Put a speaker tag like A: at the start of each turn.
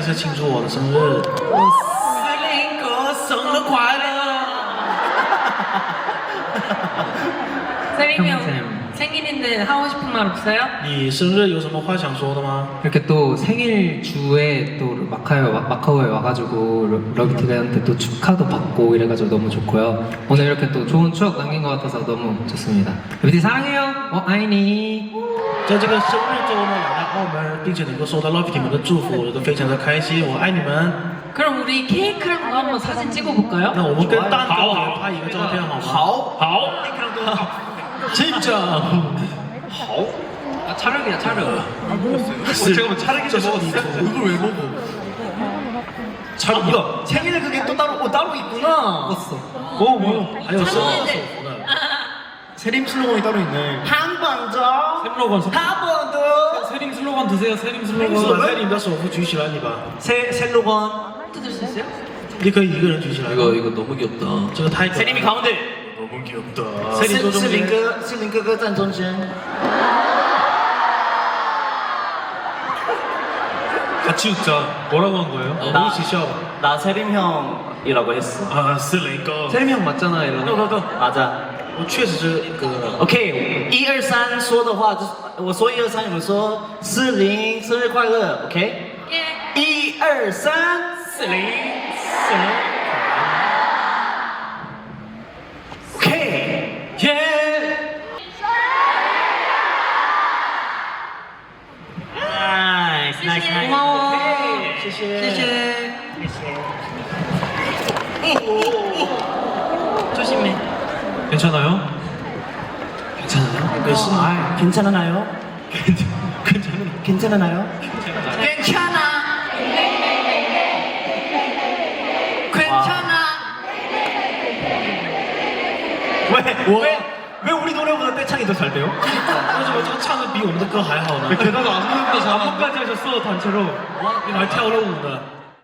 A: 次庆祝我的生日。司令哥生日快乐！
B: 세림이 형 생일인데 하고 싶은 말 없어요?
A: 你生日有什么话想说的吗？
C: 이렇게 또 생일 주에 또 마카오에 와가지고 러비티가한테 또 축하도 받고 이래가지고 너무 좋고요. 오늘 이렇게 또 좋은 추억 남긴 것 같아서 너무 좋습니다. 러비티 사랑해요. 아이니.
A: 在这个生日周呢，来到澳门，并且能够收到 Love 你们的祝福，我都非常的开心。我爱你们。
B: 그럼 우리 케이크랑 한번 사진 찍어볼까요?
A: 那我们跟蛋糕也拍一个照片好吗？好。 진짜.
C: 아 촬영이야 촬영.
A: 잠깐만 촬영이 먹었어. 이걸 왜 먹어? 촬영 이거
D: 생일에 그게 또 따로 있구나.
C: 먹었어.
A: 뭐? 还有生日手幅的。
D: 세림 슬로건이 따로 있네. 한 번 더.
A: 슬로건.
D: 한 번 더.
C: 세림 슬로건 드세요. 세림 슬로건.
A: 把你的手幅举起来，你吧。
D: 슬로건.
B: 뜯을 수 있어요?
A: 你可以一个人举起来。
E: 이거 너무 귀엽다.
A: 这个太可爱了。
D: 세림이 가운데.
A: 너무 귀엽다.
D: 士林哥哥站中间.
A: 같이 웃자. 뭐라고 한 거예요? 우리一起笑吧.
D: 나 세림 형이라고 했어.
A: 아, 四零哥.
C: 세림 형 맞잖아 이런.
D: 맞아.
A: 我确实是个。
D: OK， 1、2、3说的话就是我说1、2、3，你们说40生日快乐 ，OK？ 1、2、3，40生日。OK， 耶！ nice，
B: 고마워.
D: 谢谢。
B: 조심해.
A: 괜찮아요?
C: 괜찮아요?
A: 아,
D: 괜찮아요? 괜찮아요?
B: 괜찮아. 괜찮아.
D: 왜 우리 노래보다 떼창이 더 잘 돼요?
A: 为什么这个唱的比我们的歌还好呢？
C: 게다가 안무도 잘 안무까지 하셨어 단체로.
A: 你们还跳了舞呢。